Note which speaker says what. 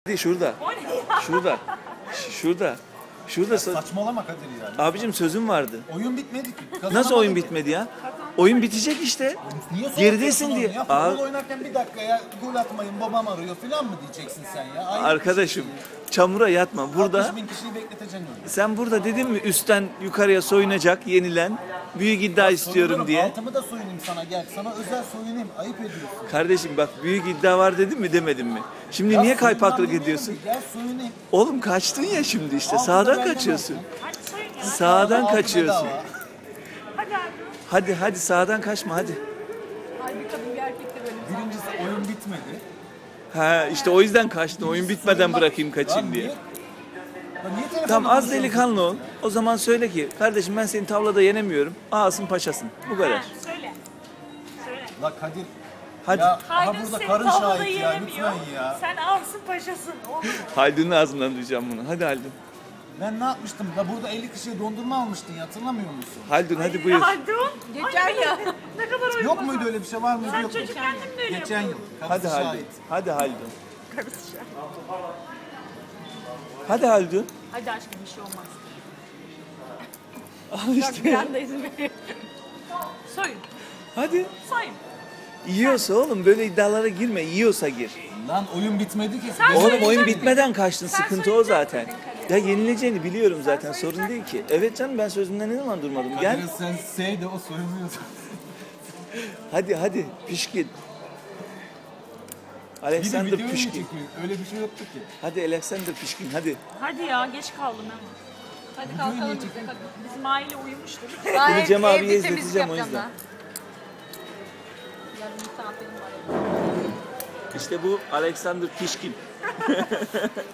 Speaker 1: Şurada. Şurada. Şurada. Şurada.
Speaker 2: Saçmalama Kadir yani.
Speaker 1: Abicim sözüm vardı.
Speaker 2: Oyun bitmedi ki.
Speaker 1: Nasıl oyun bitmedi ya? Oyun bitecek işte.
Speaker 2: Niye
Speaker 1: Geridesin diye.
Speaker 2: Ya futbol oynarken bir dakika ya gol atmayın babam arıyor falan mı diyeceksin sen ya? Aynı
Speaker 1: Arkadaşım çamura yatma. Burada
Speaker 2: 60.000 kişiyi bekleteceksin öyle.
Speaker 1: sen burada dedin mi üstten yukarıya soyunacak yenilen büyük iddia istiyorum
Speaker 2: Soyunurum,
Speaker 1: diye.
Speaker 2: altımı da soyunayım sana gel. Sana özel soyunayım. Ayıp ediyorsun.
Speaker 1: Kardeşim bak büyük iddia var dedim mi demedim mi? Şimdi
Speaker 2: Ya
Speaker 1: niye
Speaker 2: soyunmam
Speaker 1: kaypaklık
Speaker 2: demiyorum
Speaker 1: ediyorsun?
Speaker 2: ki, Gel soyunayım.
Speaker 1: Oğlum kaçtın ya şimdi işte.
Speaker 2: Altı da
Speaker 1: Sağdan
Speaker 2: benden
Speaker 1: kaçıyorsun.
Speaker 2: olsun.
Speaker 3: Hadi soyun ya.
Speaker 1: Sağdan
Speaker 2: Altı
Speaker 1: kaçıyorsun.
Speaker 2: bedava.
Speaker 3: Hadi abi.
Speaker 1: Hadi hadi sağdan kaçma hadi.
Speaker 3: Ay bir kadın bir erkek de böyle.
Speaker 2: Birincisi oyun bitmedi.
Speaker 1: Ha işte o yüzden kaçtın. Oyun bitmeden
Speaker 2: Soyunmak-
Speaker 1: bırakayım kaçayım
Speaker 2: Lan
Speaker 1: diye.
Speaker 2: niye- Lan niye telefonla
Speaker 1: Tamam az
Speaker 2: konuşuyorsun?
Speaker 1: delikanlı ol. O zaman söyle ki kardeşim ben seni tavlada yenemiyorum. Ağasın paşasın. Bu kadar.
Speaker 3: Ha, söyle. Söyle.
Speaker 2: La Kadir.
Speaker 1: Hadi.
Speaker 2: Ya aha
Speaker 3: Haydun
Speaker 2: burada
Speaker 3: seni
Speaker 2: karın
Speaker 3: tavlada
Speaker 2: şahit ya
Speaker 3: yenemiyor.
Speaker 2: lütfen ya.
Speaker 3: Sen ağırsın paşasın. Olur mu?
Speaker 1: Haldun'un ağzından duyacağım bunu. Hadi Haldun.
Speaker 2: Ben ne yapmıştım? La burada 50 kişiye dondurma almıştın ya hatırlamıyor musun?
Speaker 1: Haldun hadi buyur.
Speaker 3: Haldun.
Speaker 4: Geçen ya.
Speaker 3: Ne kadar oyun
Speaker 2: Yok
Speaker 3: bozan.
Speaker 2: muydu öyle bir şey var mıydı
Speaker 3: Sen
Speaker 2: yok mu?
Speaker 3: çocukken de mi böyle
Speaker 2: Geçen yıl.
Speaker 3: yapıyordun?
Speaker 1: Hadi
Speaker 2: Kapısı
Speaker 1: Haldun.
Speaker 2: şahit.
Speaker 1: Hadi Haldun. Hadi Haldun.
Speaker 3: Hadi aşkım bir şey olmaz.
Speaker 1: Al işte.
Speaker 3: Ben de izin veriyorum. Soyun.
Speaker 1: Hadi.
Speaker 3: Soyun.
Speaker 1: Yiyorsa oğlum böyle iddialara girme. Yiyorsa gir.
Speaker 2: Lan oyun bitmedi ki.
Speaker 3: Sen
Speaker 1: Oğlum
Speaker 3: söyleyecek
Speaker 1: oyun
Speaker 3: misin?
Speaker 1: bitmeden kaçtın.
Speaker 3: Sen
Speaker 1: Sıkıntı o
Speaker 3: söyleyecek
Speaker 1: zaten.
Speaker 3: misin
Speaker 1: Ya yenileceğini biliyorum zaten. Sorun değil ki. Evet canım ben sözümden ne zaman durmadım. Gel.
Speaker 2: Kadir'in sen say de o soyunmuyorsun.
Speaker 1: Hadi hadi. Pişkin.
Speaker 2: Bir de
Speaker 1: Alexander
Speaker 2: videoyu mu
Speaker 1: Pişkin.
Speaker 2: çekiyor? Öyle bir şey yoktu ki.
Speaker 1: Hadi Alexander Pişkin hadi.
Speaker 3: Hadi ya geç kaldım hemen.
Speaker 4: Hadi kalkalım biz de.
Speaker 3: Bizim aile uyumuştur.
Speaker 4: Daha
Speaker 1: Cem abiye
Speaker 4: evde temizlik
Speaker 1: izleteceğim o
Speaker 4: yapacağım
Speaker 1: yüzden.
Speaker 4: daha. Yarın misafirim var.
Speaker 1: İşte bu Alexander Pişkin.